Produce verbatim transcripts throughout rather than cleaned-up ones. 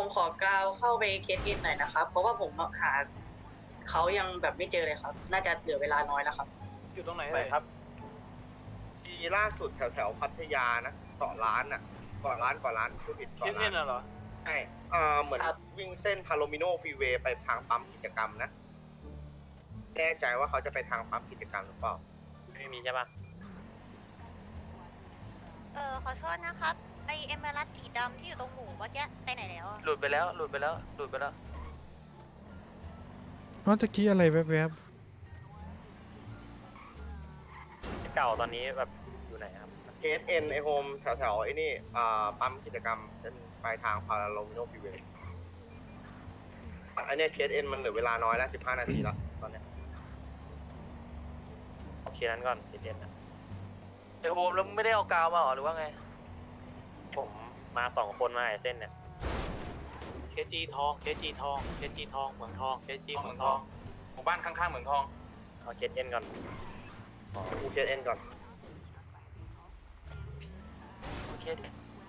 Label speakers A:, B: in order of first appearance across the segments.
A: ผมขอกาวเข้าไปเคสอินหน่อยนะครับเพราะว่าผมหาเขายังแบบไม่เจอเลยครับน่าจะเหลือเวลาน้อยแล้วครับ
B: อยู่ตรงไหนเลยครับทีล่าสุดแถวแถวพัทยานะต่อร้านอ่ะก่อนร้านก่อนร้านผู้ผิดต่อร้านเช่นน่ะเหรอใช่อ่าเหมือนวิ่งเส้นพาโลมิโนฟรีเวย์ไปทางปั๊มกิจกรรมนะแน่ใจว่าเขาจะไปทางปั๊มกิจกรรมหรือเปล่าไม่มีใช่ปะ
C: เออขอโทษนะครับไอเอมเมอรัลสีดำที่อยู่ตรงหมูเมื่อกี้ไปไหนแล้วอะ
D: หลุดไปแล้วหลุดไปแล้วหลุดไปแล้ว
E: เพราะตะกี้อะไรแวบ
D: เก่าตอนนี้แบบอยู่ไหนครับ
B: เคสเอ็นไอโฮมแถวแถวไอ้นี่อ่าปั๊มกิจกรรมเส้นปลายทางพาโลมิโนฟรีเวย์อันนี้เคสเอ็นมันเหลือเวลาน้อยแล้วสิบห้านาทีแล้วตอนเนี้ยโอเคนั้นก่อนเคสเอ็นนะ
D: ไอโฮมแล้วมึงไม่ได้เอากาวมาหรอหรือว่าไง
B: ผมมาสองคนมาไอเส้นเนี่ย
F: เคจีทองเคจีทองเคจีทองเหมืองทองเคจีเหมืองทองหมู่บ้านข้างๆเหมืองทอง
B: เอาเคสเอ็นก่อนอ๋อกูเคสเอ็นก่อน
D: โอเคดิ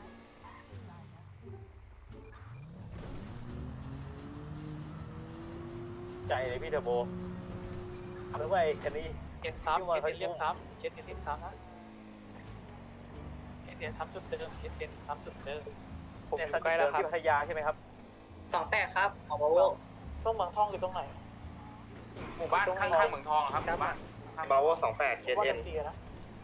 B: ใจเลยพี่เทอร์โบหรือว่าไอ้คันนี้
F: เอ็นซ้ำเคเอ็นเลียมซ้ำเคเอ็นเลียมซ้ำนะเคเอ็นซ้ำจุดเดิมเคเอ็นซ้ำจุดเดิม
B: ผมอยู่ใกล้แล้วครับที่พัทยาใช่ไหมครับ
A: สองแปดครับของบาโว
F: ตรงเหมืองทองอยู่ตรงไหนหมู่บ้านข้างๆเหมืองทองครับหมู่บ้าน
B: บาโวสองแปดเคส
F: ว่า
B: เอ็
F: เป็น นเดียนะ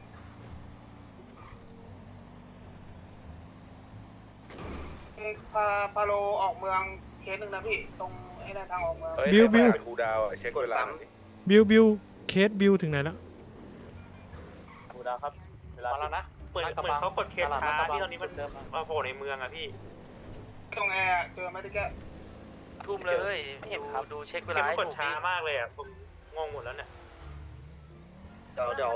G: พาพาโลออกเมืองเคสหนึ่งนะพี่ตรงไอ้นั่นทางออกเมือง
E: ๆบิวบิว
B: คูดาวเช็คเวลา
E: บิวบิวเคสบิวถึงไหนแล้ว
B: คูดาวครับเวลา
F: มาแล้วนะ
G: เหมือนเหมือนเขากดเคสช้าที่ตอนนี้มันมาโผล่ในเมืองอะพี่ตรงแอร์เจอไหมที่แก
D: ทุ่มเลยดูดูเช็คเวลาให้
G: ก
D: ถู
G: ด
D: ก
G: ช้า
D: ดิ
G: มากเลยอะผมงงหมดแล้วเนี่ย
B: เดี๋ยวเดี๋ยว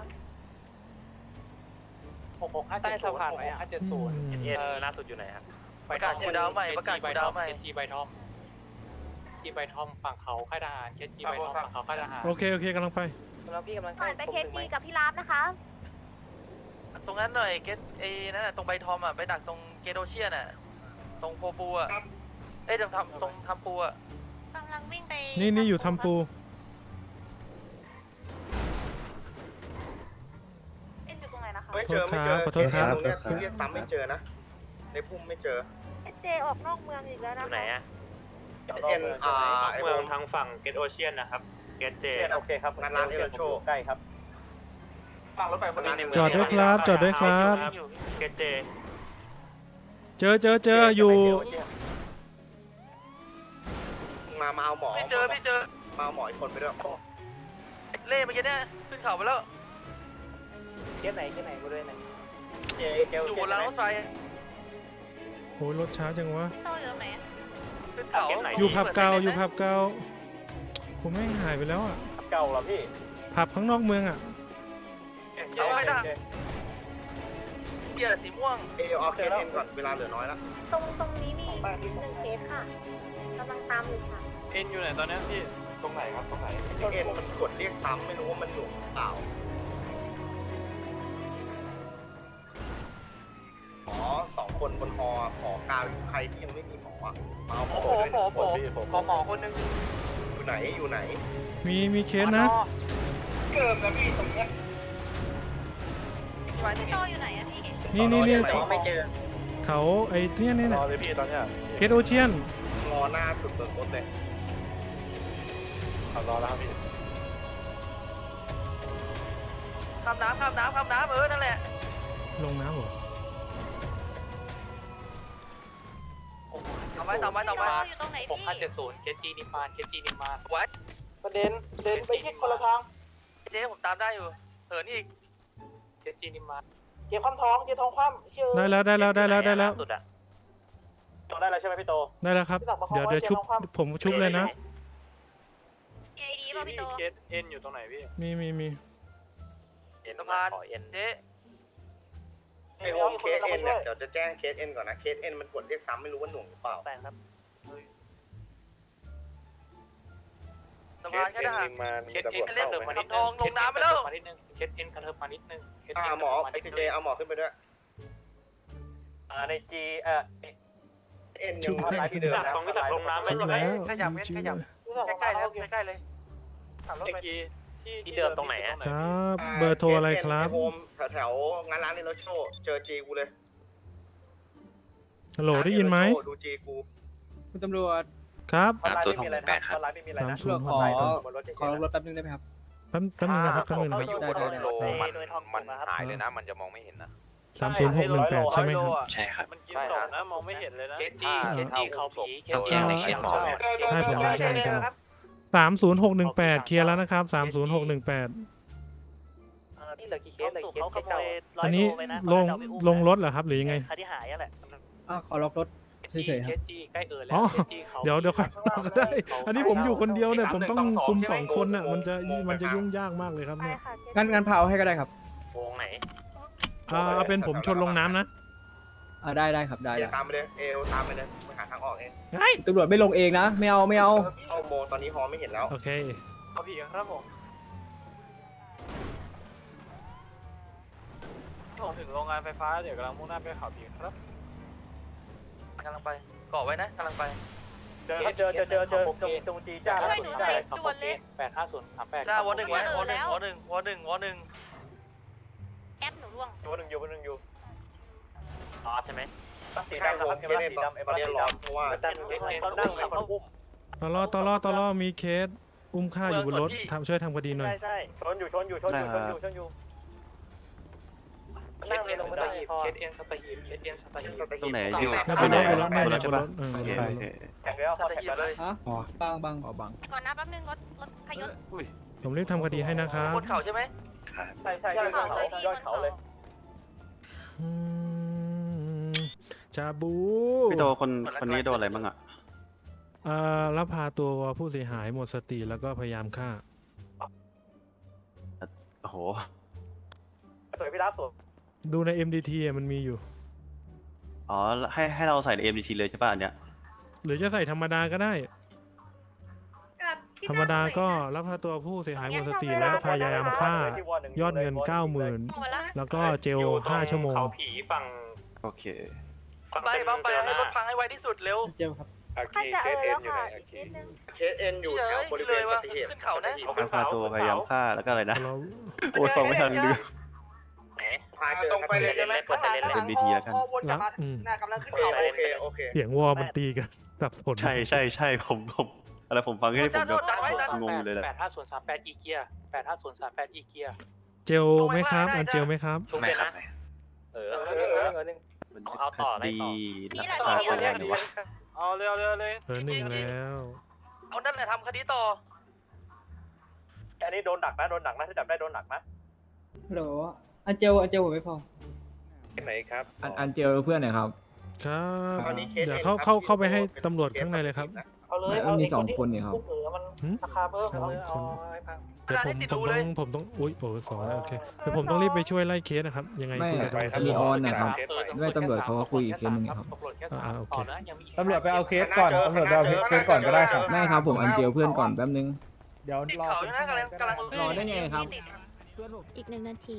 F: หกหกห้าเจ็ดศูนย์หกห้าเจ็ดศูนย์
E: อืม
F: เออ
B: ล่าสุดอยู่ไหนครับ
D: ประกาศกูดาวใหม่ประกาศกูดาวใหม่
F: เคจีใบทอมเคจีใบทอมฝั่งเขาค่ายทหารเคจีใบทอมฝั่งเขาค่ายทหาร
E: โอเคโอเคกำลังไป
D: แล้วพี่กำลัง
C: ผ่านไปเคจีกับพี่ลาฟนะคะ
D: ตรงนั้นหน่อยเกตไอ้นั่นน่ะตรงใบทอมอ่ะไปดักตรงเกโดเชียนอ่ะตรงโพปูอ่ะเอ้ยตรงทำตรงทำปูอ่ะ
C: กำลังวิ่งไป
E: นี่นี่อยู่ทำปู
C: เอ็นอยู่ตรงไหนนะคะ
B: ไม่เจอไม่เจอ
E: ขอโทษครับ
B: ตรงเนี้ยเรียกซ้ำไม่เจอนะในพุ่มไม่เจอ
C: เจออกนอกเมืองอีกแล้ว
B: อ
C: นะ
B: ยู่ไหน
C: คะ
B: อะเอ็นอ่าไอ
G: เมื
B: โฮ
G: อง
B: ม
G: ทางฝั่งเกตโอเชียนนะครับเกตเจ
B: โอเคครับงานร้านเอลโชใกล้ครับ
F: ฝั่งรถไฟคนนี้
E: จอดด้วยครับ จอดด้วยครับ
G: เกตเจ
E: เจอเจอเจออยู่
B: มามาเอาหมอ
D: ไม่เจอไม่เจอ
B: มาเอาหมออีกคนไปด้วย
D: เล่เมื่อกี้เนี่ยขึ้นเขาไปแล้ว
B: เคสไหนเคสไหนกูด้วยไหนเจเจล
D: อยู่บนรางรถไฟ
E: โหรถช้าจังวะ
C: พี่โตอยู่ตรงไหนอะ
D: ขึ้นเขา
E: อยู่ผับเก่าอยู่ผับเก่าผมแม่งหายไปแล้วอ่ะ
B: เก่าเหรอพี่
E: ผับข้างนอกเมืองอ่ะ
D: เขาไม่ได้เบียร์สีม่วง
B: เออเอาเคสเอ็นก่อนเวลาเหลือน้อยแล้ว
C: ตรงตรงนี้มีหนึ่งเคสค่ะกำลังตามอยู่ค่ะ
F: เอ็นอยู่ไหนตอนนี้พี่ตรงไหนครับตรงไหน
B: เอ็นมันกดเรียกซ้ำไม่รู้ว่ามันหน่วงหรือเปล่าหมอสองคนบนฮอขอกาวใครที่ยังไม่มีหมออ่ะมาเอาหม
D: โอ้
B: อ
D: โห
B: ด้วย
D: โอ้โหขอหมอคนนึง
B: อยู่ไหนอยู่ไหน
E: มีมีเคสนะ
G: เกิดนะพี่ตรงเนี้ย
C: พี่โตอยู่ไหนอะพี่
E: นี่นี่นี่
A: แต่ว่าไม่เจอ
E: เขาไอ้เนี่ยเนี่ย
B: รอเลยพี่ตอนเนี้ย
E: เคสโอเชียน
B: รอหน้าสุดเบิร์รถเลยขับรอแล้วครับพี่
D: ข้ามน้ำข้ามน้ำข้ามน้ำเออนั่นแหละ
E: ลงน้ำเหรอ
D: ต่อไปต่อไปต่อ
C: พี่
D: ไป
C: โตอยู่ตรงไหน
F: หก
C: พี่
F: ห้าเจ็ดศูนย์เคจีนิมานเคจีนิมาน
D: ไว้
F: ประเด็นเดินไปที่คนละทาง
D: เจ๊ผมตามได้อยู่เหินอีก
F: เคจีนิมานเจ๊คว่ำท้องเจ๊ท้องคว่ำเชื่อ
E: ได้แล้วได้แล้วได้แล้วได้แล้ว
B: สุดอะโตได้แล้วใช่ไหมพี่โต
E: ได้แล้วครับ เดี๋ยวเดี๋ยวชุบผมชุบเลยนะ
C: เอดีป่ะพี่โต
F: เคสเอ็นอยู่ตรงไหนพี่
E: มีมีมี
D: สะพานเจ๊
B: ไอโฮมเคสเอ็นเนี่ยเดี๋ยวจะแจ้งเคสเอ็นก่อนนะเคสเอ็นมันกดเรียกซ้ำไม่รู้ว่าหน่วงหรือเปล่าแต่ครับ
D: สะพานก็ได้
F: เคสเอ็นกระเทิบมานิดนึงเคสเอ็นกระเทิบมานิดนึงเคสเอ็นกระเทิบมานิดนึงเคส
B: อ่า
F: เอ็น
B: หมอ
F: มา
B: ไอ
F: นิด
B: พี
F: นึ
B: เจ
F: ง
B: เอาหมอขึ้นไปด้วยอ่าในจีเอ่อเอ็นยังไลน์ที่เดิม
F: จับ
B: นะ
F: ของที่จับลงน้ำไม่
E: ชุบ
F: ใช่ไหม
E: แล้ว
D: ขยับเว้นขยับ ใกล้ๆเลยใกล้ๆเลยขับรถ
F: เมื่อ
D: ไป
F: กี้ที่เดิมตรงไหนอะ
E: ครับ เบอร์โทรอะไรครับ
B: โฮมแถวๆงานร้านในรถโชว์เจอจีกูเลย
E: ฮัลโหลได้ยินไหม
B: ดูจีกู
G: คุณตำรวจ
E: ครับ
H: สามศูนย์หกหนึ่งแปดครับ
E: สามศูนย์ห
G: ข
E: ก
G: อ
E: หนึ่งแปด
G: ขอรถแป๊บนึงได้ไหมครับ
E: แป๊บแป๊บนึงนะครับแป๊บนึงนะครับ
G: ได้ได้ได้
B: มันหายเลยนะ มันจะมองไม่เห็นนะ
E: สามศูนย์หกหนึ่งแปดใช่ไหมครับ
H: ใช่ครับ
F: มันกินสองนะมองไม่เห็นเลยนะเคสจี
E: อ่า
F: เคสจีเขาผีเคส
H: ต้อง
F: จี
H: แจ้งในเคสหมอไหม
E: ใช่ผมต้องแจ้งในเคสหมอ สามศูนย์หกหนึ่งแปดเคลียร์แล้วนะครับสามศูนย์หกหนึ่งแปด
F: นี่เหลือกี่เคสเหลือกี่เคส
E: อันนี้ลงลงรถเหรอครับหรือยังไง
F: คดีหายอะแหละ
G: อ่ะขอล็อกรถเฉยๆค
F: เครับ สจีใกล้เอิร์แล้ว
E: อ๋อ
F: เคสจีเขา
E: เดี๋ยวเดี๋ยวค่อยบอกก็ได้ อันนี้ผมอยู่คนเดียวเนี่ยผมต้องคุมสองคนน่ะมันจะมันจะยุ่งยากมากเลยครับเนี่ย
G: งั้นงั้นพาเอาให้ก็ได้ครับ
F: วงไหน
E: อ่าเอาเป็นผมชนลงน้ำนะ
G: อ่าได้ได้ครับได้
B: เดี๋ย
G: ได้
B: วตามไปเลย เอวตามไปเลยไปหาทางออกเอง
E: เฮ้ย
G: ตำรวจไม่ลงเองนะ ไม่เอาไม่เอา
B: เข้าโมตอนนี้ฮอไม่เห็นแล้ว
E: โอเค
F: เอาผีครับผมผมถึงโรงงานไฟฟ้าเดี๋ยวกำลังมุ่งหน้าไปเขาผีครับ
D: กำลังไปเกาะไว้นะกำลังไป
F: เจอเจอเจอเจอเจอตรงตรงจีจ้าแปดห้าศูนย์สามแปด
D: จ้าวอหนึ่งไว้วอหนึ่งวอหนึ่งวอหนึ่งวอหนึ่ง
C: แอปหนูร่วง
F: วอหนึ่งอยู่วอหนึ่งอยู่อ๋อใช่ไหม
B: สีดำนะครับสีดำตอนนี้ร้อนเพราะว่า
F: เขานั่งเขาอุ้ม
E: ตลอตลอตลอมีเคสอุ้มฆ่าอยู่บนรถทำช่วยทำคดีหน่อย
F: ใช่ใช่ชนอยู่ชนอยู่ชนอยู่ชนอยู่ชนอยู่นั่งเลยลงมาได้เคสเอ็นสตาฮีเคสเอ็นสตาฮี
H: ตรงไหนอยู่
E: เนี่ยบนรถบนรถเนี่ยเนี่ยบนรถเออบนรถ
F: แข่งแล้วเขาแข่งแล้วเลย
G: ฮะบังบังอ๋อบัง
C: ก่อนนะแป๊บนึงรถรถพยศ
E: ผมรีบทำคดีให้นะครับ
D: บนเขาใช่ไหม
F: ใช่ใช่ยอดเขายอดเขาเลย
E: อืมชาบู
H: พี่โตคนคนนี้โดนอะไรบ้างอ่ะ
E: เอ่อรับพาตัวผู้เสียหายหมดสติแล้วก็พยายามฆ่า
H: โอ้โห
F: สวยพี่รับสวย
E: ดูใน เอ็ม ดี ที อ่ะมันมีอยู่
H: อ๋อ ให้ให้เราใส่ใน เอ็ม ดี ที เลยใช่ป่ะอันเนี้ย
E: หรือจะใส่ธรรมดาก็ได้ ธรรมดาก็รับพาตัวผู้เสียหายหมดสติและพยายามฆ่ายอดเงิน เก้าหมื่น
C: หมดแล้ว
E: แล้วก็เจลห้าชั่วโมง
F: เขาผีฝั่ง
H: โอเค
D: ไปบัมไปให้รถพังให้ไวที่สุดเร็ว
G: เจลครับ
C: ถ้าจะเออแล้วค่ะอีกนิดนึง
B: เคสเอ็นอยู่แถวบริเวณปฏิเหตุ
H: รับพาตัวพยายามฆ่าแล้วก็อะไรนะ
E: เรา
H: โอ้ยฟังไม่ทันลืม
B: พาเจอ
F: ตรงไปเลยใช่ไหม
H: เอ็ม ดี ที แล้วกัน
E: รับอืม
F: กำลังขึ้น
B: โอ
F: เขา
B: เคโอเค
E: เสียงวอมันตีกันสับสน
H: ใช่ใช่ใช่ผมผมอะไรผมฟังแค่นี้ผมแบบงงอยู่เลยแหละ
F: แปดห้าศูนย์สามแปดอีเกียแปดห้าศูนย์สามแปดอีเกีย
E: เจลไหมครับ อันเจลไหมครับ
H: ไม่ครับ
F: เออเออเออเออหนึ่ง
H: มัน
F: เอาต่อ
H: คดี
C: นี่
H: ลัก
C: แหละ
H: พา
C: นี่
H: ตัว
C: แหละ
H: หรือวะ
F: เอาเร็วเร็วเลย
E: เออหนึ่งแล้ว
D: เอานั่นแหละทำคดีต่อ
F: อันนี้โดนดักนะโดนดักนะถ้าจับได้โดนดักนะ
G: ฮัลโหลอันเจลอันเจลผมไม่พอ
B: ไหนครับ
G: อันอันเจลเพื่อนหน่อยครับ
E: ครับ
B: ตอนนี้เคส
E: เดี๋ยวเข้าเข้าเข้าไปให้ตำรวจข้างในเลยครับ
F: เอาเลย
G: มันมีสองคนนี่ครับ
F: เออมัน
E: หืม
F: ราคาเพิ่มเอาเลยเอาให้พัง
E: เดี๋ยวผมผมต้องผมต้องอุ้ยโอ้สองแล้วโอเคเดี๋ยวผมต้องรีบไปช่วยไล่เคสนะครับ ยังไง
G: ไม่
E: คุยกันตรง
G: มี
E: นี้
G: ออนนะครับ ไม่ตำรวจเขาก็คุยอีกเคสหนึ่งครับ
F: ตำรวจแค่สาม
E: อ่าโอเค
F: ต่อนะยังมี
I: ตำรวจไปเอาเคสก่อน ตำรวจไปเอาเคสก่อนก็ได้ครับ
G: ไม่ครับผมอันเจลเพื่อนก่อนแป๊บนึง
I: เดี๋ยว
D: ติด
I: รอ
D: เขาอยู่นะกำลังกำลัง
G: รอได้ไงครับ
C: อีกหนึ่งนาที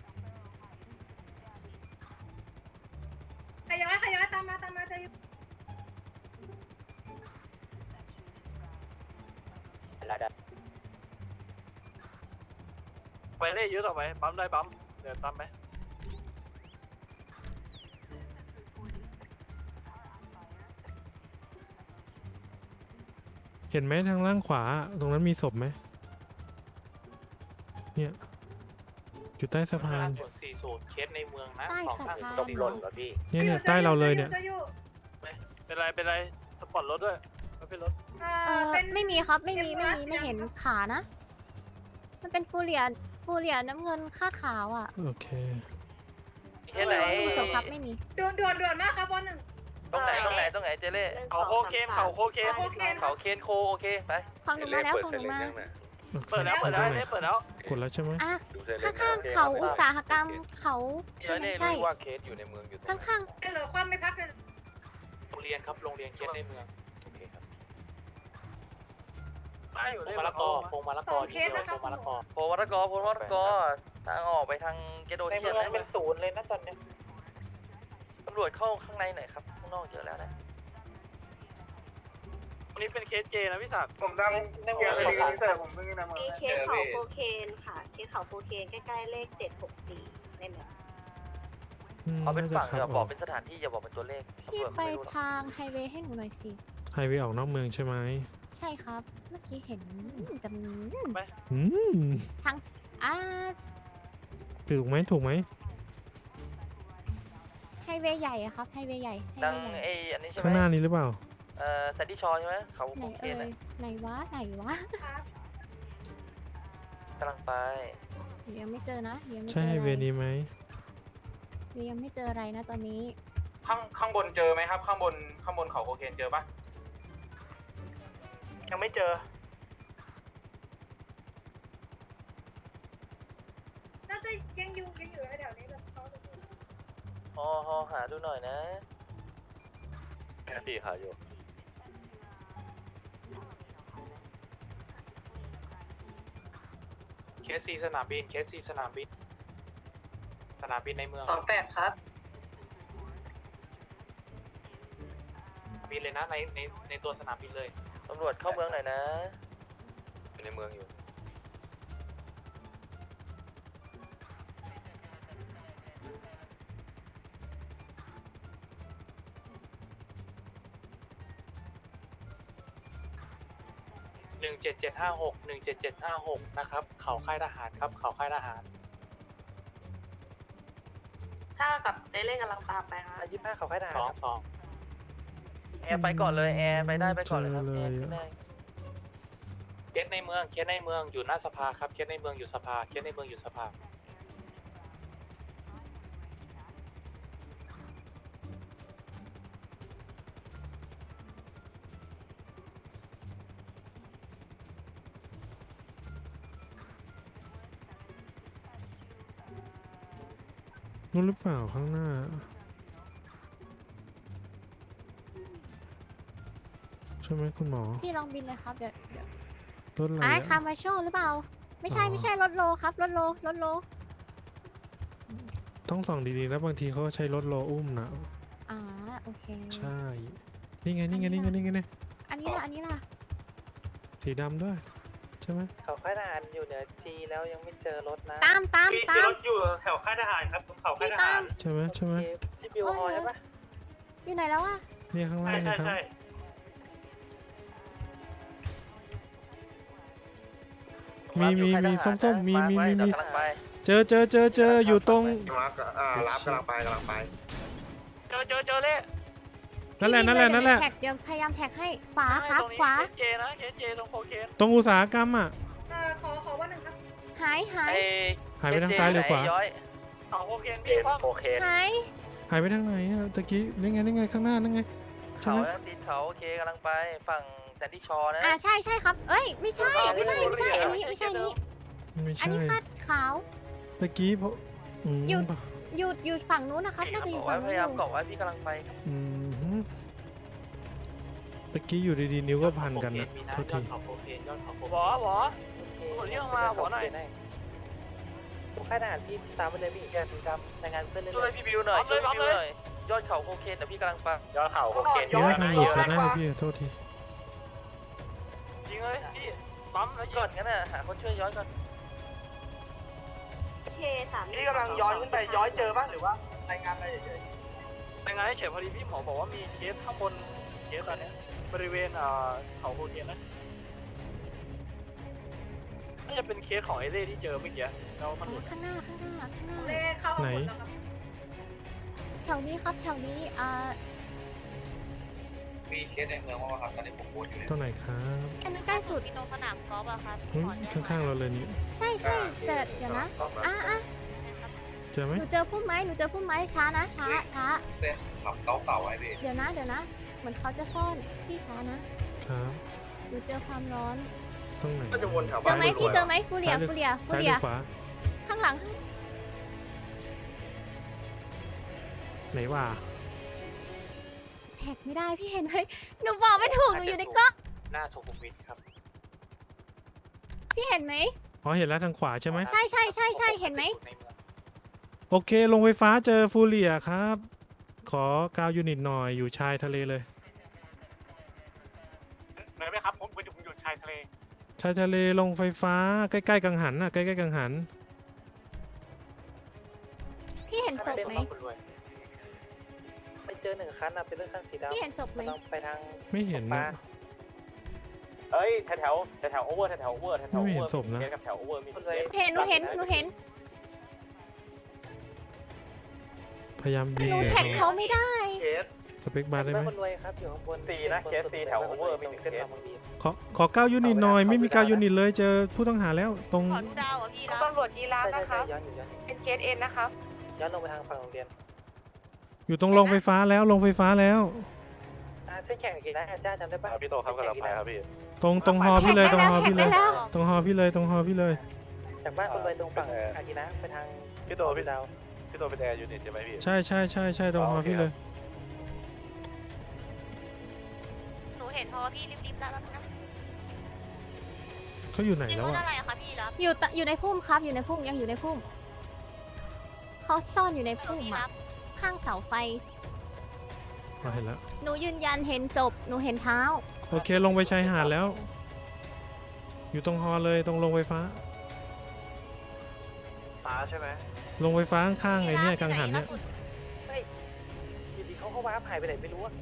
J: ขย้อยขย้อยตามมาตามมาจะอยู่
F: ไปเล่เยอะต่อไหมปั๊มได้ปั๊มเดี๋ยวตามไหม
E: เห็นไหมทางล่างขวา ตรงนั้นมีศพไหมเนี่ยอยู่ใต้สะพาน
F: ส่วนสี่ศูนย์เคสในเมืองนะ
C: ใต้
F: สอง
C: สะ
F: ห้า
C: พาน
F: ตกหล่นเหรอพี่
E: เนี่ยเนี่ยใต้เราเลยเนี่ย
J: จะอยู่
F: เป็นไรเป็นไรสปอร์ตรถด้วยไม่เป็นรถ
J: เอ
C: เอ
J: อ
C: อ
J: เป็น
C: ไม่มีครับไม่มีไม่มีไม่เห็นขานะ มันเป็นฟูเรียฟูเรียน้ำเงินคาดขาวอ่ะ
E: โอเค
D: เคสไหน
C: ไม่มีศพครับไม่มี
J: ด่วนด่วนด่วนมากครับบอลหนึ่ง
D: ตรงไหนตรงไหนตรงไหนเจเล่
F: เขาโคเคนเขาโคเคน
J: โอเค
D: เขาเคนโคโอเคไป
C: ของหนูมาแล้วของหนูมา
F: เปิดแล้วเปิดแล้วเปิดแล้ว
E: กดแล้วใช่ไหม
C: อ่ะข้างๆเขาอุตสาหกรรมเขาใช่ไหมใช่
B: ว่าเคสอยู่ในเมืองอยู่
C: ข้าง
J: เหลือความไม่พักเลย
F: โรงเรียนครับโรงเรียนเคสในเมือง
B: โอเคครับ
F: พงมะละกอพงมะละกอที่เดียวพงมะละกอ
D: โพวัตกรโพวัตกรทางออกไปทางเกโด
F: ใน
D: เชี
F: เมื
D: ย
F: อง
D: น
F: เป็นศูนย์เลยนะตอนนี้
D: ตำรวจเข้าข้างในหน่อยครับข้างนอกเยอะแล้วนะ
F: วันนี้เป็นเคสเจนะพี่ศักดิ์
G: ผมดังเกียร์ไปดีเสิร์ฟผมเพิ่งนำมา
J: มีเคสเขาโคเคนค่ะ เคสเขาโคเคนใกล้ๆเลขเจ็ดหกสี่ในเมือง
E: อืม
D: เอาเป็น
E: น่าจะ
D: ฝั่ง
E: ขั
D: อย่า
E: บบ อ
D: อ
E: อก ก
D: เป็นสถานที่อย่าบอกเป็นตัวเลข
C: พี่
D: ตำรวจ
C: ไป
D: ไม่รู้หรอก
C: ทางไฮเวย์ให้หนูหน่อยสิ
E: ไฮเวย์ออกนอกเมืองใช่ไหม
C: ใช่ครับ เมื่อกี้เห็นจำ
E: อืม
C: ทางอ่า
E: ถูกไหมถูกไหม
C: ไฮเวย์ใหญ่อะครับ ไฮเวย์ใหญ่ ไฮ
D: ดัง
C: เวย์ใหญ่
D: ไออันนี้ใช่ไหม
E: ข้างหน้านี้หรือเปล่า
D: เอ่อแซนดี้ชอใช่ไหมเขา
C: ไหน
D: โอเค
C: เอ่
D: นะ
C: ยไหนวะ ไหนวะ
D: กำลังไป
C: ยังไม่เจอนะยังไม่เจ
E: ใช่
C: อ
E: ไฮ
C: อะไร
E: เวย์นี้ไหม
C: ยังไม่เจออะไรนะตอนนี้
F: ข้างข้างบนเจอไหมครับ ข้างบนข้างบนเขาโคเคนเจอปะยังไม่เจอ
J: น่าจะยังอยู่ยังอยู่แถวนี้แบบเขาจะ
D: ฮอฮอหาดูหน่อยนะแค่สี่หาอยู่
F: เคสซีสนามบิน เคสซีสนามบิน สนามบินในเมือง
A: สองแปดครับ
F: บินเลยนะในในในตัวสนามบินเลย
D: ตำรวจเข้าเมืองหน่อยนะอยู่ในเมืองอยู่
F: หนึ่งเจ็ดเจ็ดห้าหก หนึ่งเจ็ดเจ็ดห้าหกนะครับ เขาค่ายทหารครับ เขาค่ายทหาร
A: ถ้ากับเต้เล่กำลังตามไปครับ
D: อายี่ห้าเขาค่ายทหาร
F: สอง
D: ครับ
F: สอง
D: แอร์ไปก่อนเลยแอร์ไปได้ไปก่อนเลยครับ
E: เจอ
D: แอ
E: เลย
D: ร์ขึ้นได้
F: เคสในเมือง เคสในเมืองอยู่หน้าสภาครับ เคสในเมืองอยู่สภา เคสในเมืองอยู่สภา
E: นู่นหรือเปล่าข้างหน้า ใช่ไหมคุณหมอ
C: พี่ลองบินเลยครับ เดี๋ยวเดี๋ยว
E: รถอะไร
C: อ่า
E: อะ
C: คามาโชหรือเปล่า ไม่ใช่
E: อ๋อ
C: ไม่ใช่รถโลครับ รถโล รถโล
E: ต้องส่องดีๆนะบางทีเขาใช้รถโลอุ้มนะ
C: อ่า โอเค
E: ใช่ นี่ไงนี่ไงนี่ไงนี่ไงนี่
C: อันนี้ล่ะ อันนี้ล่ะ
E: สีดำด้วย ใช่ไหม
D: เขาค่ายทหารอยู่เหนือจีแล้วยังไม่เจอรถนะ
C: ตามตาม
F: พี่
C: ตาม
F: รถอยู่แถวค่ายทหารครับตรงเขาค่าย
C: พี่
F: ท
C: ตา
F: หาร
C: ม
E: ใช่ไหมใช่ไหม
D: ที่บิวฮอใช่ปะ
C: อยู่ไหนแล้วอะ
E: เนี่ยข้างล่า
F: ใช่
E: ง
F: ใช่
E: นะครับ
F: ใช่
E: มีมีมีส้มๆมีมีมีมี
D: กำลังไป
E: เจอเจอเจอเจออยู่ตรง
B: รับอ่ารับกำลังไปกำลังไป
F: เจอเจอเจอเลย
E: นั่นแหละนั่นแหละนั่นแหละ
C: แท็กเดี๋ยวพยายามแท็กให้ ขวาครับ
F: ตรงนี้
C: ขวา
F: เคสเจนะเคสเจตรงโคเคน
E: ตรงอุตสาหกรรมอ่ะ
J: เอ่อขอขอว่าหนึ่งครับ
C: หายหาย
D: ไอ้
E: หายไปทางซ้ายหรือขวา
D: ย้อย
F: เขาโคเคนพี่ว่า
D: โอเค
C: หาย
E: หายไปทางไหนอ่ะตะกี้นี่ไงนี่ไงข้างหน้านั่นไงใช่
D: เขา
E: ไหม
D: แล้วตีนเขาโอเคกำลังไปฝั่งแซนดี้ชอนะ
C: อ่าใช่ใช่ครับ เอ้ย ไม่ใช่ ไม่ใช่ ไม่ใช่ อันนี้ ไม่ใช่อันนี้
E: ไม่
C: อัน
E: ใช่
C: นี้คาดขาว
E: ตะกี้เพราะอืม
C: หยุด อยู่อยู่ฝั่งนู้นนะครับ น่าจะอยู่
D: บอก
C: ฝั่
D: ว่าง พ
C: นู้น
D: ยา
C: อย
D: าม
C: ยู่
D: เกาะไว้พี่กำลังไป
E: อืมตะกี้อยู่ดีๆนิ้วก็พันกันนะ
F: มี
E: โทษ
F: ยอ
E: ที
F: ดเขาโคเคนยอดเขาโคเคนหวอหวอ หมดเรื่องมาหัวหน่อย
D: ค่ายทหารพี่ตามไปเลยพี่แกสีดำรายงานเพื่อนเลยช่วยพี่บิวหน่อยช่วยพี่บิวหน่อยยอดเขาโคเคนแต่พี่กำลังไป
F: ยอดเขาโคเคน
E: เดี๋ยวทางหลุดซะได้พี่โทษที
F: จริงเลยพี่ปั๊มแล้ว
D: ก่อนงั้นน่ะหาคนช่วยย้อยก่อน
J: เคสาม
F: นี่กำลังย้อนขึ้นไปย้อยเจอป่ะหรือว่ารายงานอะไรเฉยรายงานเฉยพอดีพี่หมอบอกว่ามีเคสข้างบนเคสตอนนี้บริเวณเอ่อเขาโคเคนนะน่าจะเป็นเคสของไอเล่ที่เจอเมื่อกี้แล้วมันหลุด
C: ข้างหน้า ข้างหน้า ข้างหน้า
J: เลขเข้าหมดแล้วครับ
C: แถวนี้ครับ แถวนี้ อ่า
B: มีเคสในเมืองว่าครับตอนนี้ผมพูดอยู่เนี่ย
E: ตรงไหนครับ
C: อันนั้นใกล้สุด
J: ตรงสนามกอล์ฟอะครับ
E: อุ๊ยข้างๆเราเลยนี่
C: ใช่ใช่แต่เดี๋ยวนะ อ่ะอ่ะ
E: เจอไหม
C: หนูเจอพุ่มไม้ หนูเจอพุ่มไม้ ช้านะ ช้า ช้า
B: เส้นขับเก่าๆไว้พี่
C: เดี๋ยวนะ เดี๋ยวนะ เหมือนเขาจะซ่อน พี่ช้านะ
E: ครับ
C: หนูเจอความร้อน
E: ตรงไหน
B: ก็จะวนแถว
C: เจอ
B: บ้าน
C: ไหมพี่เจอไหมฟูเรีย
E: ซ้ายหรือ
C: ฟูเรียฟู
E: ซ้ายห
C: เรี
E: รื
C: ย
E: อขวา
C: ข้างหลัง
E: ไหนว่า
C: แท็กไม่ได้พี่เห็นไหมหนูบอกไม่ถูก หนูอยู่ในกล้อง
F: หน้าสุขุมวิทครับ
C: พี่เห็นไหม
E: อ๋อเห็นแล้วทางขวาใช่ไหม
C: ใช่ใช่ใช่ใช่เห็นไหม
E: โอเคลงไฟฟ้าเจอฟูเรียครับ ขอกาวยูนิตหน่อยอยู่ชายทะเลเลยชายทะเลลงไฟฟ้าใกล้ๆกังหันน่ะใกล้ๆกังหัน
C: พี่เห็นศพไหม
D: ไปเจอหนึ่งคันอะเป็นเรื่องคันสีดำ
C: พี่เห็นศพไหม
D: ไปทาง
E: ไม่เห็นนะ
B: เอ้ยแถวแถวแถวโอเวอร์แถวโอเวอร์แถวโอ
E: ไม่
B: เว
E: เห็
B: อน ร์
E: ศพนะ
B: เคสกับแถวโอเวอร์มีเคส
C: เห็นหนูเห็นหนูเห็น
E: พยายามยิง
C: หนูแท็กเขาไม่ได้
B: เคส
E: สเปคบาร์ได้ไหม
D: คนรวยครับอยู่ข้างบน
B: สี่นะเคสสี่แถว over มีหนึ่งเคส
E: ขอขอเก้ายูนิตหน่อยไม่มีเก้ายูนิตเลยเจอผู้ต้องหาแล้วตรง
J: ขอดูดาวอ่ะพี่นะ
K: ตำรวจยีราฟ
D: ใช่
K: นะ
D: ใช่
K: คะ
D: ย้อนอยู่ย้อน
K: เป็นเคสเอ็นนะคะ
D: ย้อนลงไปทางฝั่งโรงเรียน
E: อยู่ตรงโรงไฟฟ้าแล้วโรงไฟฟ้าแล้ว
D: อ่าเส้นแข่งกี่นะอาจารย์จำได้ปะ
H: พี่โตครับกำลังไปครับพี่
E: ตรงตรงฮอพี่เลยตรงฮอพี่เลย
C: แท็กได้แล้ว
E: ตรงฮอพี่เลยตรงฮอพี่เลย
D: จากบ้านคนรวยตรงฝั่งอากินะไปทาง
H: พี่โตพี่ดาวพี่โตเป็นแอร์ยูนิตใช่ไหมพี่
E: ใช่ใช่ใช่ใช่ตรงฮอพี่เลย
J: หนูเห็นพอพี่รีบๆแล้วนะ
E: เขาอยู่ไหน
J: เป็น
E: แล้
J: ร
E: ว
J: ถ
E: อ่ะ
J: อะไรอะคะพี่รับ
C: อยู่ตะอยู่ในพุ่มครับอยู่ในพุ่มยังอยู่ในพุ่มเขาซ่อนอยู่ในพุ่ม
J: พี่
C: อ่ะ
J: รับ
C: ข้างเสาไฟ
E: เราเห็นแล้ว
C: หนูยืนยันเห็นศพหนูเห็นเท้า
E: โอเคลงไปชายหาดแล้ว อยู่ตรงฮอเลยตรงโรงไฟฟ้า
F: ฟ้าใช่ไหม
E: โรงไฟฟ้าข้างๆไอ้เนี่ยกังหันเนี่ย
D: อยู่ดีเขาก็ว้าหายไปไหนไม่รู้อะ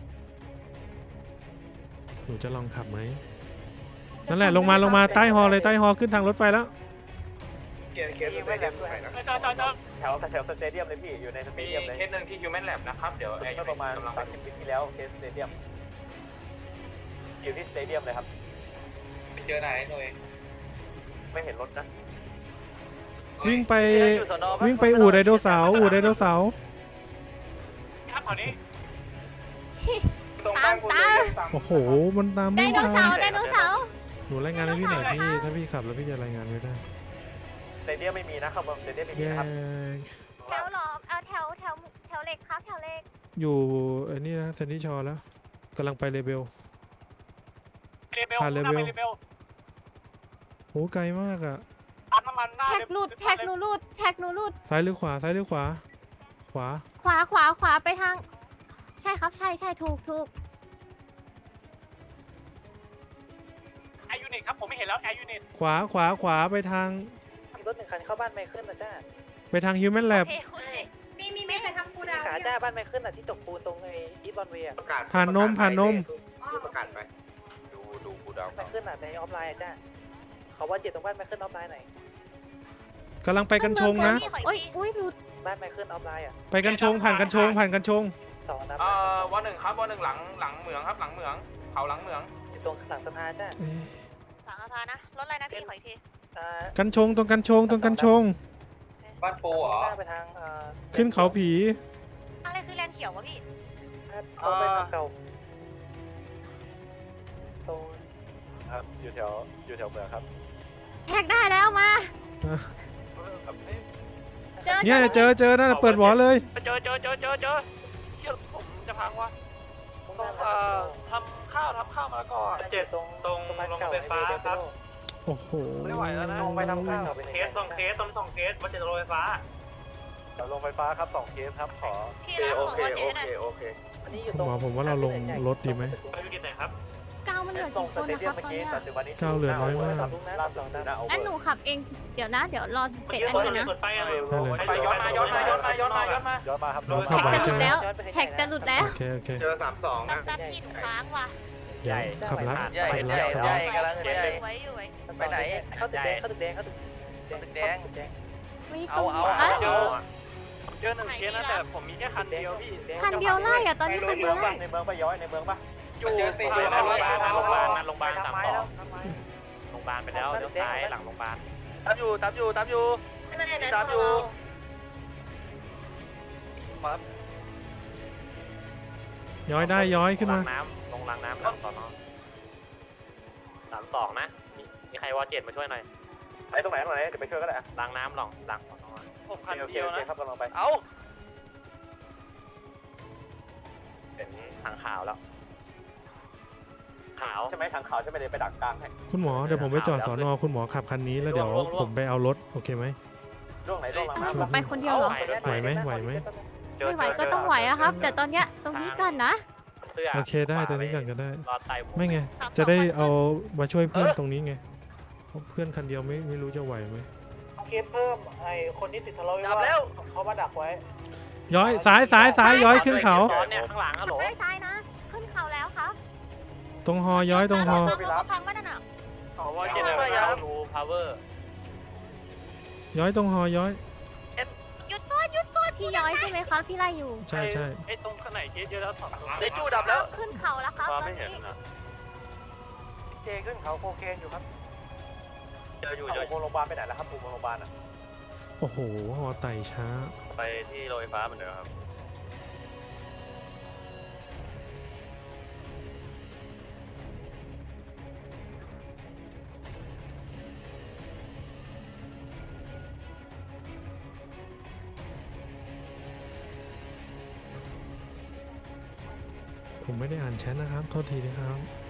E: หนูจะลองขับไหมนั่นแหละลงมาลงมาใต้ฮอเลยใต้ฮอขึ้นทางรถไฟแล้ว
B: เคสเคสสเตเดียมด้วยนะ
F: จอจอจอ
B: แถวแถวสเตเดียมเลยพี่อยู่ในสเต
F: มี
B: เดียมเลย
F: เคสหนึ่งที่ Human Lab นะครับ เดี๋ยวไอ้
B: เมื่อประมาณสามสิบปีที่แล้วเคสสเตเดียมอยู่ที่สเตเดียมเลยครับ
F: ไปเจอไหนหน่วย
B: ไม่เห็นรถนะ
E: วิ่งไปวิ่งไปอู่ไดโนเสาร์อู่ไดโนเสาร์
F: ครับแถวนี้
C: ตามตาม
E: โอ้โหมันตาม
C: ได
E: ไม่
C: โน
E: ทั
C: เสาน ร์ไดโนเสาร์
E: หนูรายงานให้พี่หน่อยพี่ถ้าพี่ขับแล้วพี่จะรายงานไม่ได้
B: สเตเดียมไม่มีนะครับสเตเดียมไม่มี
E: แย่
B: นะครับ
J: แถวหรอเอาแถวแถวแถวเหล็กครับแถวเหล็ก
E: อยู่ไอ้นี่นะเซนติชอแล้วกำลังไปเลเบล
F: เรเบล
E: ผ่าน
F: หน้า
E: เลเว
F: ไป
E: ล
F: เรเบล
E: โหไกลมากอ่ะ
F: ปั๊มน้ำมันหน้า
C: แท็กหลุดแท็กหนูหลุดแท็กหนูหลุด
E: ซ้ายหรือขวาซ้ายหรือขวา ขวา
C: ขวาขวาขวาไปทาง ใช่ครับใช่ใช่ถูกถูก
F: แอร์ยูนิตครับผมไม่เห็นแล้วแอร์ยูนิต
E: ขวาขวาขวาไปทาง
D: มีรถหนึ่งคันเข้าบ้านไมเคิลนะจ้า
E: ไปทางฮิวแมนแลบ
J: เฮ้ยคุณมีมีมีใครทำกูดาว
D: ขาจ้าบ้านไมเคิลอะที่ตกปูนตรงไอ้อีทบอลเวีย
B: ประกาศ
E: ผ่านนมผ่านนม
B: ประกาศไปดูดูกูดาว
D: ไมเคิลอะในออฟไลน์อะจ้าเขาว่าเจ็ดตรงบ้านไมเคิลออฟไลน์หน่อย
E: กำลังไปกันชงนะ
C: โอ้ยอุ้ยหลุด
D: บ้านไมเคิลออฟไลน์อะ
E: ไปกันชงผ่านกันชงผ่านกันชง
D: สองนัด
F: เอ่อวันหนึ่งครับวันหนึ่งหลังหลังเหมืองครับหลังเหมืองเขาหลังเหมือง
D: อยู่ตรงหลังสะพานจ้า
E: เอ๊ะ
J: สังฆทานนะรถอะไรนะพี่ขออีกที
D: อ่า
E: กันชงตรงกันชงตรงกันชง
F: บ้านปูเหรอ
D: ไปทางเอ่อ
E: ขึ้นเขาผี
J: อะไรคือแลนเขียววะพี่
D: ตรงไปทางเก่าตรง
H: ครับอยู่แถวอยู่แถวเมืองครับ
C: แท็กได้แล้วมา เจอ
E: เนี่ยเจอเจอนั่นน่ะเปิดหวอเลย
F: เจอเจอเจอเจอเจอเชี่ยผมจะพังวะต้องเอ่อทำข้าวทำข้าวมาก่อนเจ็ดตรงตรงโรงไฟฟ้าครับ
E: โอ้โห
F: ไม่ไหวแล้วนะ
D: ลงไปทำข้าว
F: เคสสองเคสต้นสองเคสว่าจะโรงไฟฟ้า
H: แถวโรงไฟฟ้าครับสองเคสครับขอ
J: พี่รับ
B: โอ
J: ของ
B: เค
J: วัน
B: โอ
J: เจ๊หน่อย
B: เคโอเค
D: อันนี้อยู่
E: คุณ
D: ตรง
E: หมอผมว่าเราลงรถดีไหม
F: ไปยูนิตไหนครับ
C: เก้ามันเหลือกี่คนนะครับตอนเนี้ย
E: เก้าเหลือน้อยมาก
D: ลุงนะรับสองนัด
C: งั้นหนูขับเองเดี๋ยวนะ เดี๋ยวรอเสร็จอันนี้นะ
F: เปิดไฟอะไร
E: ได้เลย
F: ไปย้อนมาย้อนมาย้อนมาย้อนมาย้อนมา
H: ย้อนมาครับ
E: เราเข้า
C: แท็ก
E: ไป
C: จะหลุ
E: ใช่
C: ด
E: ไหม
C: แล้ว แท็กจะหลุดแล้ว
E: โอเคโอเค
B: เจอสามสอง
J: แป๊
B: นะ
J: บแป๊บพี่หนูค้างว่ะ
E: เดี๋ยวขับละ
D: ใหญ่
E: ขับ
D: ให
E: ละ
D: ญ่
E: ขับ
D: ให
E: ละ
D: ญ่กำลังใหญ่
J: ไว้อยู่ไว้
D: ไปไหนเข้าตึกแดงเข้าตึกแดงเข้าตึกตึกแดงแดง
C: มีตรงนี้
D: เอาเอา
C: อ่ะ
F: เจอเจอหนึ่งเคสนะแต่ผมมีแค่คันเดียวพี่
C: คันเดียวไล่อะตอนนี้คันเดียวไล่
B: ในเมืองปะย้อยในเมืองปะ
F: อยู่โรงพยาบาลโรงพยาบาลโรงพยาบาลโรงพยาบาลสามสองโรงพยาบาลไปแล้วเลี้ยวซ้ายหลังโรงพยาบาล
D: ตามอยู่ตามอยู่ตามอยู่ ตามอยู่
E: ย้อยได้ย้อยขึ้นมา
F: น้ำลงรางน้ำหลังสอนอสามสองนะมีใครวอเจ็ดมาช่วยหน่อย
B: ไอ้ตรงไหนตรงไหนเดี๋ยวไปช่วยก็ได้
F: รางน้ำหลังหลังสอนอผมคัน
B: โอเค
F: เดียว
B: โอเค
F: นะครับ
B: กำลังไป
D: เอา
F: เป็นทางขาวแล้ว ขาว
B: ใช่ไหมทางขาวใช่ไหมเดี๋ยวไปดักกลางให้
E: คุณหมอเดี๋ยวผมไปจอดสอนอคุณหมอขับคันนี้แล้วเดี๋ยวผมไปเอารถโอเคไหม
B: ร่วงไหนร่วงหลัง
C: อ่ะ
B: น้ำ
C: หนูไปคนเดียวเหรอ
E: ไหวไหมไหวไหม
C: ไม่ไหวก็ต้องไหวอะครับ แต่ตอนเนี้ยตรงนี้กันนะ
F: เสื้อ
E: โอเคได้ตรงนี้ก่อนก็ได้
F: รอไต
E: ไม่ไงจะได้เอามาช่วยเพื่อนตรงนี้ไงเพื่อนคันเดียวไม่ไม่รู้จะไหวไหม
F: เคสเพิ่มไอคนที่ติดทะเลาะวิวาทเขามาดักไว้
E: ย้อยซ้ายซ้ายซ้ายย้อยขึ้นเขา
F: เนี่ยข้างหลังอะโหล
C: ไม่ซ้ายนะ ขึ้นเขาแล้วครับ
E: ตรงฮอย้อยตรงฮอ
C: พังไม่ได้น่ะ
F: อ๋อว่าเจเนอเรชั่นรูพาวเวอร์
E: ย้อยตรงฮอย้อย
C: หยุดก่อนหยุดก่อนพี่ย้อยใช่ไหมครับที่ไล่อยู่
E: ใช่ใช่
F: ไอตรงข้างไหนเคสเยอะแล้วสองตัว
D: เจจูดับแล้ว
C: ขึ้นเขาแล้วครับตอนนี้
D: เจขึ้นเขาโคเคนอยู่ครับเจออยู่เจอ
F: โรงพยาบาลไปไหนแล้วครับปูโรงพยาบาลอ่ะ
E: โอ้โหฮอไต่ช้า
H: ไปที่โรงไฟฟ้าเหมือนเดิมครับ
E: ผมไม่ได้อ่านแชทนะครับ โทษทีนะครับ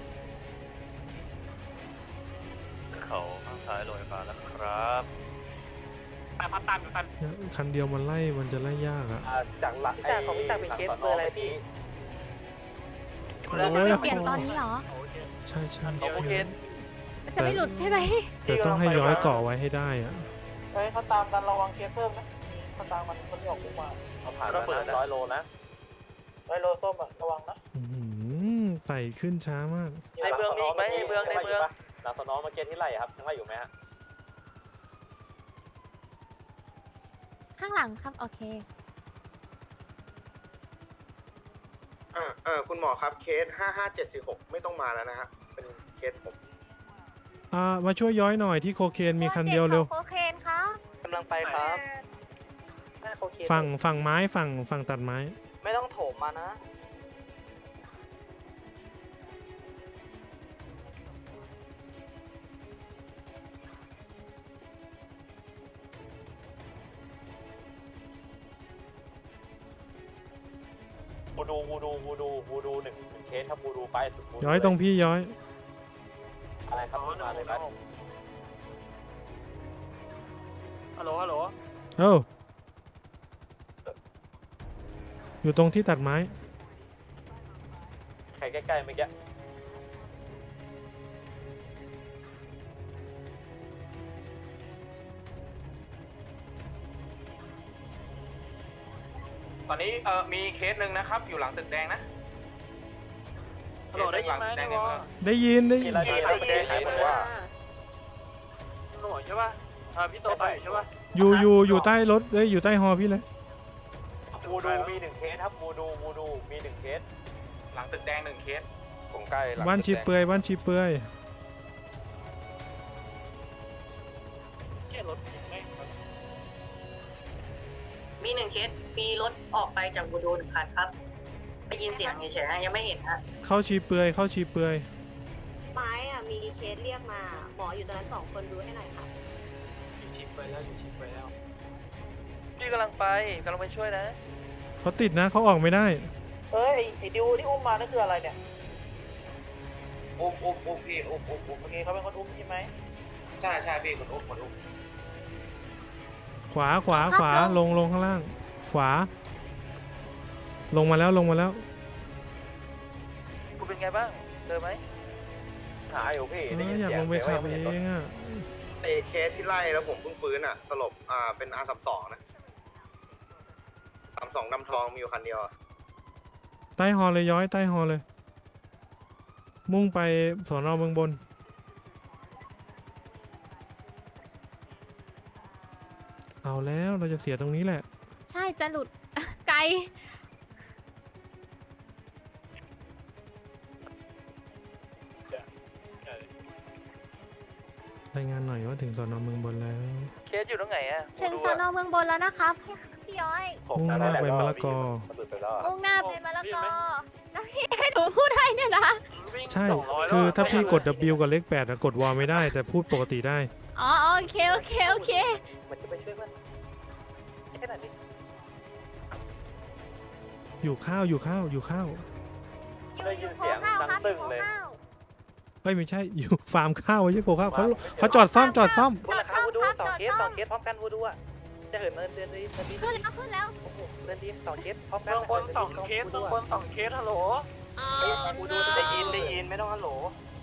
H: เขาข้างซ้ายโรงไฟฟ้าแล้วครับ
F: ตามตามอยู่กัน
E: คันเดียวมันไล่มันจะไล่ยากอะ
F: จากหลักจากของพี่จากเป็นเคสเบอร์อะไรพี่
C: เราจะไม่เปลี่ยนตอนนี้เหรอ
E: ใช่ใช่
D: โอ
E: ใช่
D: เค
C: มันจะไม่หลุดใช่ไหม
E: แต่ต้องให้ย้อยเกาะไว้ให้ได้อะ
F: เฮ้ยเขาตามกันระวังเคสเพิ่มนะเขาตามมันคนที่ออกคุกมาเขาผ่านแล้วนะร้อยโลนะร้อยโลส้มอ่ะระวังนะ
E: อื้อหือไต่ขึ้นช้ามาก
D: ในเมืองมีอีกไหมในเมืองในเมือง
F: หลังสนองเมื่อกี้ที่ไล่ครับยังไล่อยู่ไหมฮะ
C: ข้างหลังครับ โอเค
B: อ่าเออคุณหมอครับเคสห้าห้าเจ็ดสี่หกไม่ต้องมาแล้วนะฮะเป็นเคสผม
E: อ่ามาช่วยย้อยหน่อยที่โคเคนมีคันเดียวเร็ว
C: โคเคนครับ
D: กำลังไปครับ
E: ฝั่งฝั่งไม้ฝั่งฝั่งตัดไม้
F: ไม่ต้องโถมมานะวูดูวูดูวูดูวูดูหนึ่งหนึ่งเคสครับวูดูไปสุด
E: ย้อยตรงพี่ย้อย
F: อะไรครับมาเลยครับฮัลโหลฮัลโหล
E: เอ้าอยู่ตรงที่ตัดไม้
F: ใครใกล้ๆเมื่อกี้ตอนนี้เอ่อมีเคสหนึ่งนะครับอยู่หลังตึกแดงนะฮัลโหลได้ยินไหมได้ยิน
E: ได้ยินได้ยิน
F: อะไรตึกแดงไหนบอกว่าฮัลโหลใช่ป่ะอ่าพี่โตไปใช่ป่ะ
E: อยู่อยู่อยู่ใต้รถเอ้ยอยู่ใต้ฮอพี่เลย
F: วูดูมีหนึ่งเคสครับวูดูวูดูมีหนึ่งเคสหลังตึกแดงหนึ่งเคสผมใกล้หลัง
E: บ้านชีเปลือยบ้านชีเปลือย
F: แค่รถไหม
A: มีหนึ่งเคสมีรถออกไปจากบูโดหนึ่งคันครับได้ยินเสียงเฉยๆยังไม่เห็นฮะ
E: เข้าชีเปลือยเข้าชีเปลือย
J: ไม้อะมีเคสเรียกมา หมออยู่ตรงนั้นสองคนดูให้หน่อยค่ะ
F: อยู่ชิปไปแล้วอยู่ชิปไปแล้ว
D: พี่กำลังไปกำลังไปช่วยนะ
E: เขาติดนะเขาออกไม่ได้
F: เอ้ยไอ้ดิวที่อุ้มมานั่นคืออะไรเนี่ย
B: อุ้มอุ้มอุ้มพี่อุ้มอุ้มอุ้ม
F: โอเคเขาเป็นคนอุ้มใช่ไหม
B: ใช่ใช่พี่คนอุ้มคนอุ้ม
E: ขวาขวาขวาลงลงข้างล่าง ขวา ลงมาแล้วลงมาแล้ว
D: คุณเป็นไงบ้างเจอไหม
F: หาอยู่พี่
E: เอ
F: ได้
E: อ
F: ยิน
E: อยาก
F: เสียง
E: ลงไปขับเองอ่ะ
B: ไอเคสที่ไล่แล้วผมเพิ่งฟื้นอ่ะสลบอ่าเป็นอาร์สามสองนะสามสองดำทองมีอยู่คันเดียวอะ
E: ใต้ฮอเลยย้อยใต้ฮอเลย มุ่งไปสอนอเมืองบน เอาแล้วเราจะเสียตรงนี้แหละ
C: ใช่จะหลุด ไกล
E: รายงานหน่อยว่าถึงสอนอเมืองบนแล้ว
D: เคสอยู่ตรงไหนอะ
C: ถึงสอนอเมืองบนแล้วนะครับพี่ย้อย
E: มุ่งหน้าไปมะละกอ
C: มุ่งหน้าไปมะละกอแล้วพี่ให้หนูพูดได้เนี่ยนะ
E: ใช่ คือถ้าพี่กด W กับเลขแปดอะกดวอลไม่ได้ แต่พูดปกติได้
C: อ๋อโอเคโอเคโอเค
D: มันจะไปช่วยมันแค่ไหนดิ
E: อยู่ข้าวอยู่ข้าวอยู่ข้าว
C: อยู่อยู่โคข้าวครับอยู่โคข้าว
E: เอ้ยไม่ใช่ อยู่ฟาร์มข้าวไม่ใช่โคข้าวเขาเขาจอดซ่อมจอดซ่อม
D: วูดราคาวูดูสองเคสสองเคสพร้อมกันวูดูอะจะเหินเดินเดินดีเดินดี
C: ขึ้นแล้วขึ้นแล้ว
D: โอ้โหเดินดีสองเคสพร้อมกั
F: เบื้องบนสองเคสเบื้องบนสองเคสฮัลโหล
D: วูดู
F: ได้ยินได้ยินไม่ต้องฮัลโหล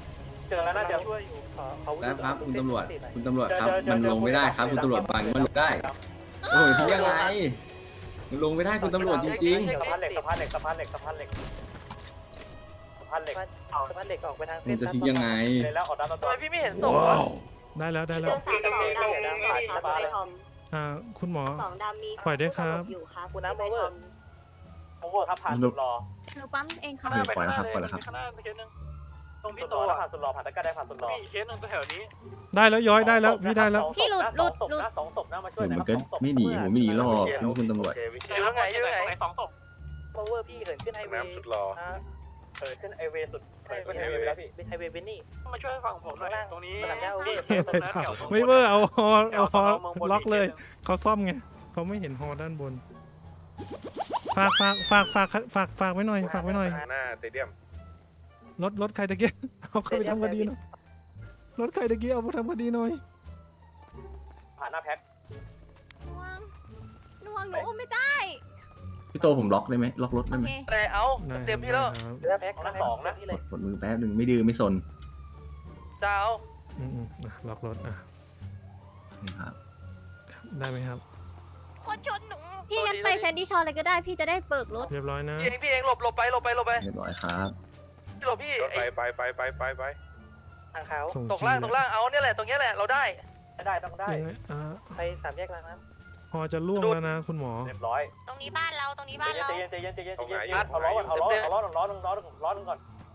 F: เจอแล้วน่าจะช่วยอยู่เขา
K: แล้วครับคุณตำรวจคุณตำรวจครับมันลงไม่ได้ครับคุณตำรวจบังมันลงได้โอ้ยทิ้งยังไงมันลงไม่ได้คุณตำรวจจริง
F: สะพานเหล็กสะพานเหล็กสะพานเหล็กสะพานเหล็กสะพานเหล็กเอาสะพานเหล็กออกไปทาง
K: ๆมันจะทิ้งยังไง
F: เลยแล้วออกด้าน
D: ทำ
F: ตัว
D: ไมพี่ไม่เห็นศพ
E: ว้าวได้แล้วได้
J: เจ
E: แล้ว
J: อสามสองดำมีค่ะไปทอม
E: อ่าคุณหมอ
J: สองดำมี
E: ปล่อยได้ครับ
J: อยู่ค่ะ
F: คุณน้ำ
J: ไป
F: โอเวอ
J: ทอ
F: ร์
J: ม
F: โอเวอร์ครับผ่านสุดรอ
C: หนูปั๊มเองค่ะ
K: เดี๋ยวปล่อยแล้วครับปล่อยแล้วครับ
F: ข้างหน้าเคสนึงตรงพี่โตผ่านสุดรอผ่านตะการได้ผ่านสุดรอมีเคสนึงแถวนี้
E: ได้แล้วย้อยได้แล้วพี่ได้แล้ว
C: พี่หลุดหลุดหลุด
F: สองศพนะมาช่วย
K: มันก็ไม่หนีผมไม่หนีหรอกคุณคุณตำรวจ
D: อยู่ตรงไหนอยู่ตรงไหน
F: สองศพโอเวอร์พี่เหินขึ้นไฮเวย์สุดรอเหินขึ้นไฮเวย์สุดเหินขึ้นไฮเวย์แล้วพี่เป็นไฮเวย์เบนนี่มาช่วยฝั่งผมหน่อยตรงนี้
E: ไม่เบอร์เอาฮอเอาฮอล็อกเลยเขาซ่อมไงเขาไม่เห็นฮอด้านบน ฝากฝากฝากฝากฝากฝากไว้หน่อยฝากไว้หน่อย
B: หน้าสเตเดียม
E: รถรถใครตะเกียบเอาเข้าไปทำคดีหน่อยรถใครตะเกียบเอาไปทำคดีหน่อย
F: ผ่านหน้าแพ็ค
C: น่วงน่วงหนูอุ้มไม่ได้
K: พี่โตผมล็อกได้ไหมล็อกรถ
C: โอ
K: ได้ไหม
C: เค
D: แต่เอา
E: ได้
D: เต็มที่แล้ว
E: ครับ
F: หน้าแพ็คหน้าสองนะ
K: กดกดมือแป๊บหนึ่งไม่ดื้อไม่สน
D: จะเอา
E: อืมอืมอ่ะล็อกรถอ่ะ
K: นี่ครับ
E: ได้ไหมครับ
D: คนชนหนู
C: พี่งั้นไปแซนดี้ชอร์เลยก็ได้พี่จะได้เบิกรถ
E: เรียบร้อยนะ
D: พี่เองพี่เองหลบหลบไปหลบไปหลบไป
K: เรียบร้อยครับ
D: หลบพี่
B: ไปไปไปไปไปไป
F: ทางเขา
E: ส่ง
D: ตก
E: จี
D: ล่าง
E: น
D: ตกล่างเอาเนี่ยแหละตรงเนี้ยแหละเราได้
F: ได้ต้องได้
E: ยังไงอ่า
F: ไปสามแยกล้างน้
E: พอจะล่วงแล้วนะคุณหมอ
F: ำเรียบร้อย
C: ตรงนี้บ้านเราตรงนี้บ้าน
F: ใจ
C: เรา
F: เย็นใจเย็นใจเย็นใจเย็นใจเย็นเอาล้อก่อนเอาล้อเอาล้อหนึ่งล้อหนึ่งล้อหนึ่งล้อหนึ่งก่อน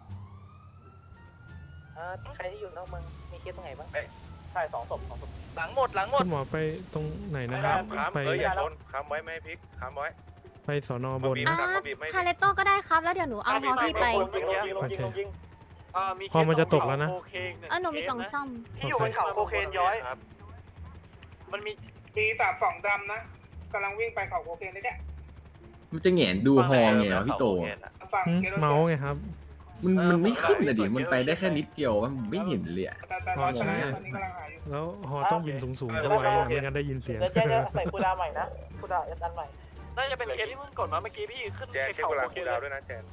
F: ใครที่อยู่นอกเมืองมีเคสตรงไหนบ้างใช่สองศพสองศพ
D: หลังหมดหลังหมด
E: คุณหมอไปตรงไหนนะครับ
B: ค้ำ
E: ไป
B: เอ้ยอย่าชนค้ำไว้ไม่ให้พลิกค้ำไว้
E: ไปสอนอบน
C: อ่าคาเลโต้ก็ได้ครับแล้วเดี๋ยวหนูเอาฮอพี่ไป
F: ลงยิงลงยิงลงยิงลงยิง
E: พอมันจะตกแล้วนะ
C: เออหนูมีกล่องซ่อม
F: ที่อยู่บนเขาโคเคนย้อยมันมี
G: มีสามสองดำนะกำลังวิ่งไปเขาโคเคนเลยเนี่ย
K: มันจะแหงนดูฮอไงวะพี่โต
G: ฝั่ง
E: หึ
G: เกโร
E: เมาส์ไงครับ
K: มันมันไม่ขึ้นเลยดิมันไปได้แค่นิดเดียวมันไม่เห็นเลยอะ
G: แต่แต่รอชนะตอนนี้กำลังหาอยู่
E: แล้วฮอต้องบินสูงๆเข้าไว้อะไม่งั้นได้ยินเสียง
F: เดี๋ยวเจ๊จะใส่คูดาใหม่นะคูดาอันใหม่น่าจะเป็นเคสที่เพิ่งกดมาเมื่อกี้พี่ขึ้น
B: แจนเช็คเวลาคูลดาวน์ด้วยนะแจน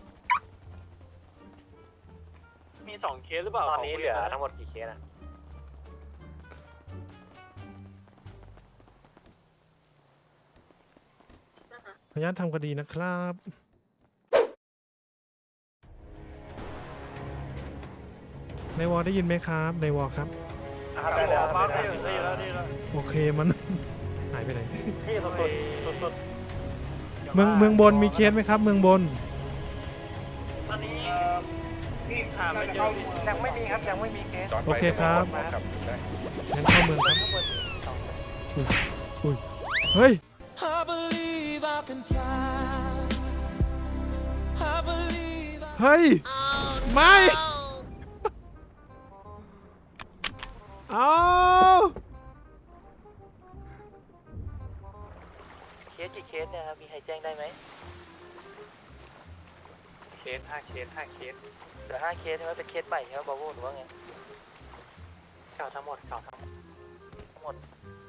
F: มีสองเคสหรือเปล่าตอนนี้เหลือทั้งหมดกี่เคสนะ
E: พยานทำคดีนะครับ ในวอลได้ยินไหมครับ ในวอลครับ
F: ได้แล้วได้แล้วได้แล้วได้แล้ว
E: โอเคมัน หายไปไหน
F: พี่สุดสุดสุด
E: เมืองเมืองบนมีเคสไหมครับ เมืองบน
F: ตอนนี้
G: เอ่อพี่
F: หาไม่
G: น่าจะ
F: เจอ
G: เข้า
F: ยังไม่มีครับยังไม่มีเคส
E: โอเคครับ งั้นเข้าเมืองครับ อุ้ยอุ้ยเฮ้ย เฮ้ย ไม่ เอา
D: เคสกี่เคสเนี่ยครับมีใครแจ้งได้ไหม
F: เคสห้าเคสห้าเคส
D: เหลือห้าเคสใช่ไหมเป็นเคสใหม่ใช่ไหมบาโวหรือว่าไง
F: เก่าทั้งหมดเก่าทั้งหมด
D: ทั้งหมด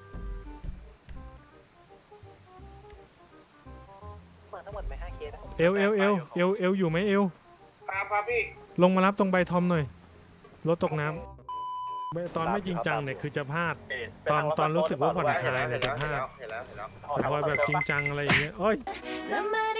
F: เหมือนทั้งหมดไปห้าเคส
E: เอวเอวเอวเอวเอวอยู่ไหมเอว
G: ครับครับพี่
E: ลงมารับตรงใบทอมหน่อย รถตกน้ำไม่ตอนไม่จริงจังเนี่ยคือจะพลาด ตอนตอนรู้สึกว่าผ่อนคลายเนี่ยจะพลาด
B: เห็นแล้วเห็นแล้ว
E: แต่พอแบบจริงจังอะไรอย่างเงี้ยโอ้ย
C: สมัย